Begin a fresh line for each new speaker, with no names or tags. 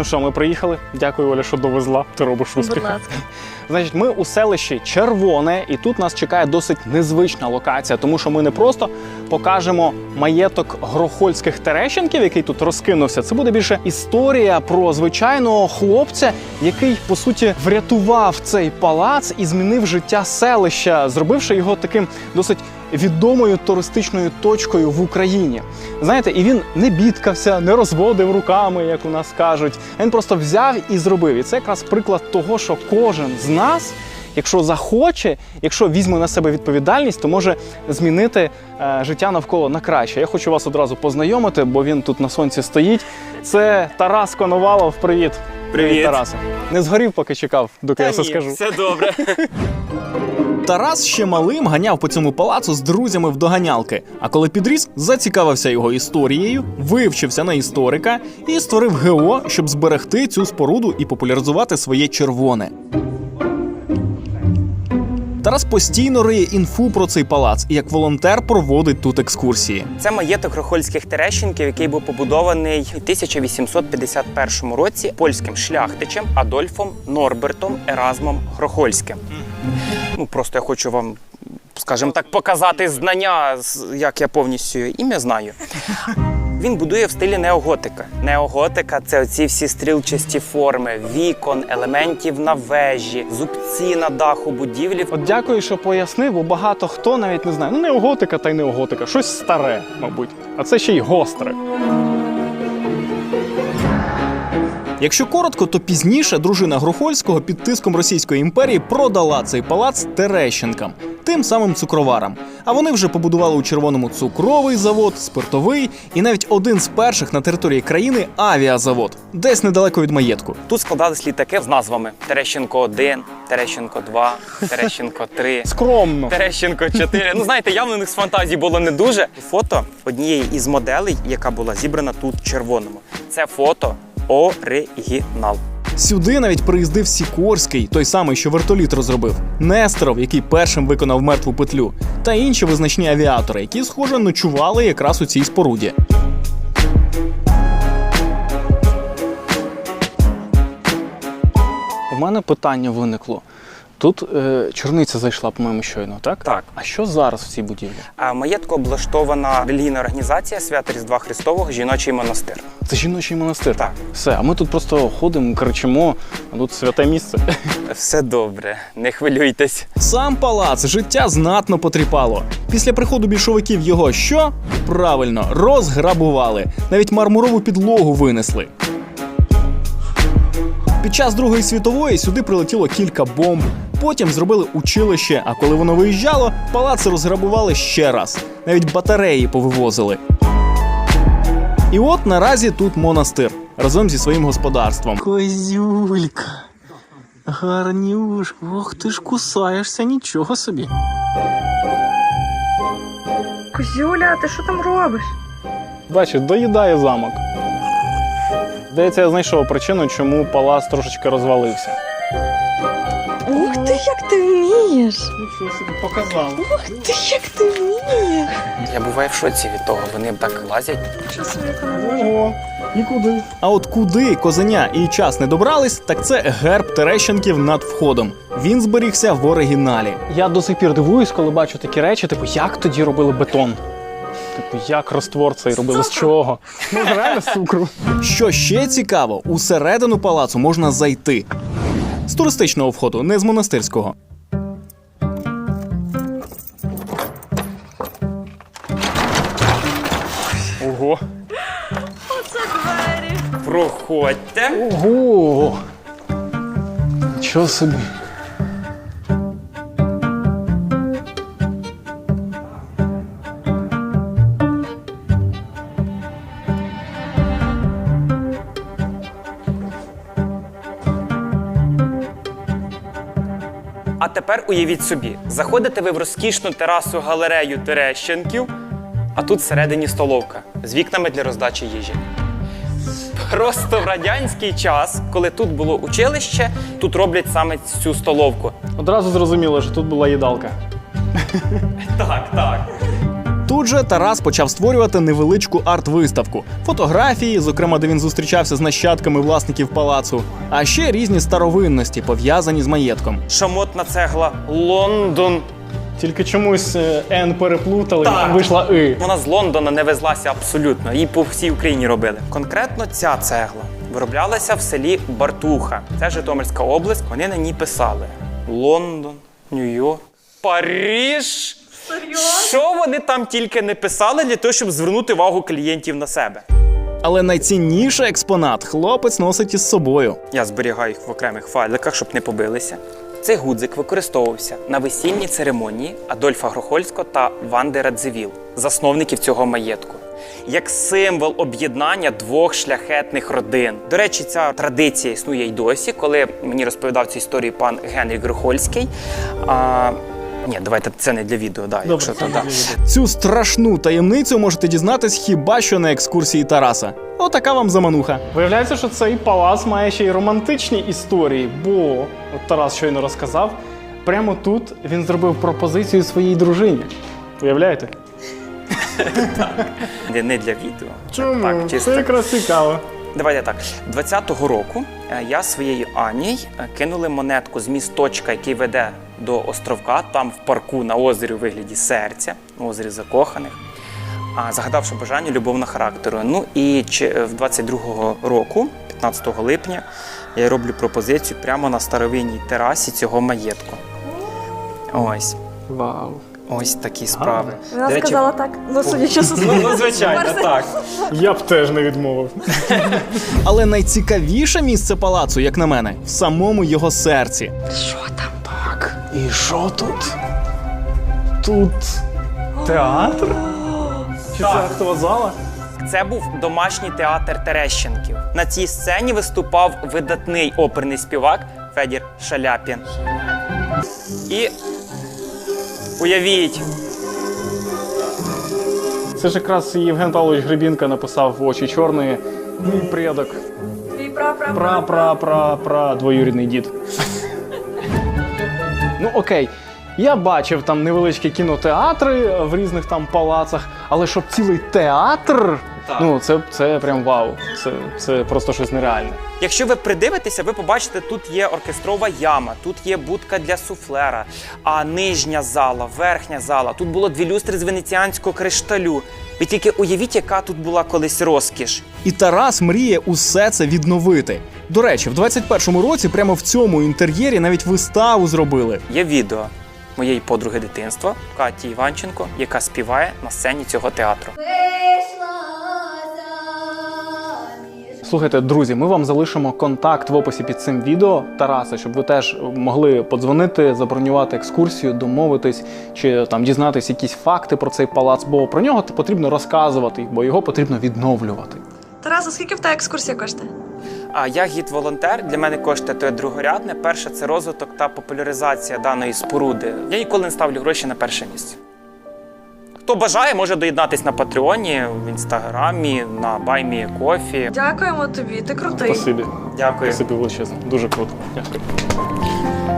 Ну що, ми приїхали. Дякую, Оля, що довезла. Ти робиш успіх.
Будь ласка.
Значить, ми у селищі Червоне, і тут нас чекає досить незвична локація, тому що ми не просто покажемо маєток грохольських Терещенків, який тут розкинувся. Це буде більше історія про звичайного хлопця, який, по суті, врятував цей палац і змінив життя селища, зробивши його таким досить відомою туристичною точкою в Україні. Знаєте, і він не бідкався, не розводив руками, як у нас кажуть. Він просто взяв і зробив. І це якраз приклад того, що кожен з нас, якщо захоче, якщо візьме на себе відповідальність, то може змінити життя навколо на краще. Я хочу вас одразу познайомити, бо він тут на сонці стоїть. Це Тарас Коновалов. Привіт.
Привіт.
Тарасе. Не згорів, поки чекав, доки я все скажу.
Все добре.
Тарас ще малим ганяв по цьому палацу з друзями в доганялки. А коли підріс, зацікавився його історією, вивчився на історика і створив ГО, щоб зберегти цю споруду і популяризувати своє червоне. Тарас постійно риє інфу про цей палац і як волонтер проводить тут екскурсії.
Це маєток грохольських Терещенків, який був побудований у 1851 році польським шляхтичем Адольфом Норбертом Еразмом Грохольським. Ну, просто я хочу вам, скажімо так, показати знання, як я повністю ім'я знаю. Він будує в стилі неоготика. Неоготика – це оці всі стрілчасті форми, вікон, елементів на вежі, зубці на даху будівлі.
От дякую, що пояснив, бо багато хто навіть не знає. Ну, неоготика та й неоготика. Щось старе, мабуть. А це ще й гостре. Якщо коротко, то пізніше дружина Грохольського під тиском Російської імперії продала цей палац Терещенкам, тим самим цукроварам. А вони вже побудували у Червоному цукровий завод, спиртовий і навіть один з перших на території країни авіазавод, десь недалеко від маєтку.
Тут складались літаки з назвами Терещенко-1, Терещенко-2, Терещенко-3.
Скромно.
Терещенко-4. Ну, знаєте, явно у них з фантазії було не дуже. Фото однієї із моделей, яка була зібрана тут в Червоному. Це фото оригінал.
Сюди навіть приїздив Сікорський, той самий, що вертоліт розробив, Нестеров, який першим виконав мертву петлю, та інші визначні авіатори, які, схоже, ночували якраз у цій споруді. У мене питання виникло. Тут чорниця зайшла, по-моєму, щойно, так?
Так.
А що зараз в цій будівлі?
А в маєтку облаштована релігійна організація Свята Різдва Христового «Жіночий монастир».
Це жіночий монастир?
Так.
Все, а ми тут просто ходимо, кричимо, а тут святе місце.
Все добре, не хвилюйтесь.
Сам палац життя знатно потріпало. Після приходу більшовиків його що? Правильно, розграбували. Навіть мармурову підлогу винесли. Під час Другої світової сюди прилетіло кілька бомб. Потім зробили училище, а коли воно виїжджало, палац розграбували ще раз. Навіть батареї повивозили. І от наразі тут монастир, разом зі своїм господарством. Козюлька, гарнюшка, ох ти ж кусаєшся, нічого собі.
Козюля, ти що там робиш?
Бачиш, доїдає замок. Здається, я знайшов причину, чому палац трошечки розвалився.
Ух ти, як ти вмієш!
Нічого собі показав.
Ух ти, як ти вмієш!
Я буваю в шоці від того, вони так лазять.
Що собі не
Ого, нікуди. А от куди козеня і час не добрались, так це герб Терещенків над входом. Він зберігся в оригіналі. Я до сих пір дивуюсь, коли бачу такі речі, типу, як тоді робили бетон? Типу, як розтвор цей робили, з чого? Ну, реально з цукру. Що ще цікаво, усередину палацу можна зайти. З туристичного входу, не з монастирського. Ого.
Оце двері!
Проходьте.
Ого! Нічого собі.
А тепер уявіть собі, заходите ви в розкішну терасу-галерею Терещенків, а тут всередині столовка з вікнами для роздачі їжі. Просто в радянський час, коли тут було училище, тут роблять саме цю столовку.
Одразу зрозуміло, що тут була їдалка.
Так, так.
Тут Тут же Тарас почав створювати невеличку арт-виставку. Фотографії, зокрема, де він зустрічався з нащадками власників палацу, а ще різні старовинності, пов'язані з маєтком.
Шамотна цегла Лондон.
Тільки чомусь Н переплутали,
Так.
вийшла И.
Вона з Лондона не везлася абсолютно. Її по всій Україні робили. Конкретно ця цегла вироблялася в селі Бартуха. Це Житомирська область. Вони на ній писали: Лондон, Нью-Йорк, Париж. Що вони там тільки не писали для того, щоб звернути увагу клієнтів на себе.
Але найцінніший експонат хлопець носить із собою.
Я зберігаю їх в окремих файликах, щоб не побилися. Цей гудзик використовувався на весільній церемонії Адольфа Грохольського та Ванди Радзивіл, засновників цього маєтку, як символ об'єднання двох шляхетних родин. До речі, ця традиція існує й досі, коли мені розповідав цю історію пан Генрік Грохольський. Ні, давайте це не для відео, якщо то, да.
Цю страшну таємницю можете дізнатись хіба що на екскурсії Тараса. Отака вам замануха. Виявляється, що цей палац має ще й романтичні історії, бо, от Тарас щойно розказав, прямо тут він зробив пропозицію своїй дружині. Уявляєте?
Не для відео.
Чому?
Так, чисто.
Це якраз цікаво.
Давайте так. 20-го року я своєю Аній кинули монетку з місточка, який веде до островка, там в парку на озері у вигляді серця, на озері закоханих, загадавши бажання любовного характеру. Ну і в 22-го року, 15 липня, я роблю пропозицію прямо на старовинній терасі цього маєтку. Ось.
Вау.
Ось такі справи.
Вона
До речі,
сказала так. Ну, судячи з
Ну, звичайно, так.
Я б теж не відмовив. Але найцікавіше місце палацу, як на мене, в самому його серці.
Що там?
Так, і що тут? Тут театр? Чи це актова зала?
Це був домашній театр Терещенків. На цій сцені виступав видатний оперний співак Федір Шаляпін. І уявіть,
Це ж якраз Євген Павлович Гребінка написав в «Очі чорної». Мій предок.
Твій
Пра двоюрідний дід. Ну окей, я бачив там невеличкі кінотеатри в різних там палацах, але щоб цілий театр, ну це прям вау. Це просто щось нереальне.
якщо ви придивитеся, ви побачите, тут є оркестрова яма, тут є будка для суфлера, а нижня зала, верхня зала. Тут було 2 люстри з венеціанського кришталю. Ви тільки уявіть, яка тут була колись розкіш.
І Тарас мріє усе це відновити. До речі, в 21-му році прямо в цьому інтер'єрі навіть виставу зробили.
Є відео моєї подруги дитинства Каті Іванченко, яка співає на сцені цього театру.
Слухайте, друзі, ми вам залишимо контакт в описі під цим відео Тараса, щоб ви теж могли подзвонити, забронювати екскурсію, домовитись чи там дізнатись якісь факти про цей палац, бо про нього потрібно розказувати, бо його потрібно відновлювати.
Тарас, а скільки в тебе екскурсія коштує?
А я гід-волонтер, для мене коштує то другорядне. Перше – це розвиток та популяризація даної споруди. Я ніколи не ставлю гроші на перше місце. Хто бажає, може доєднатись на Патреоні, в Інстаграмі, на Баймі Кофі.
Дякуємо тобі, ти крутий.
Спасибі.
Дякую.
Спасибі величезно. Дуже круто. Дякую.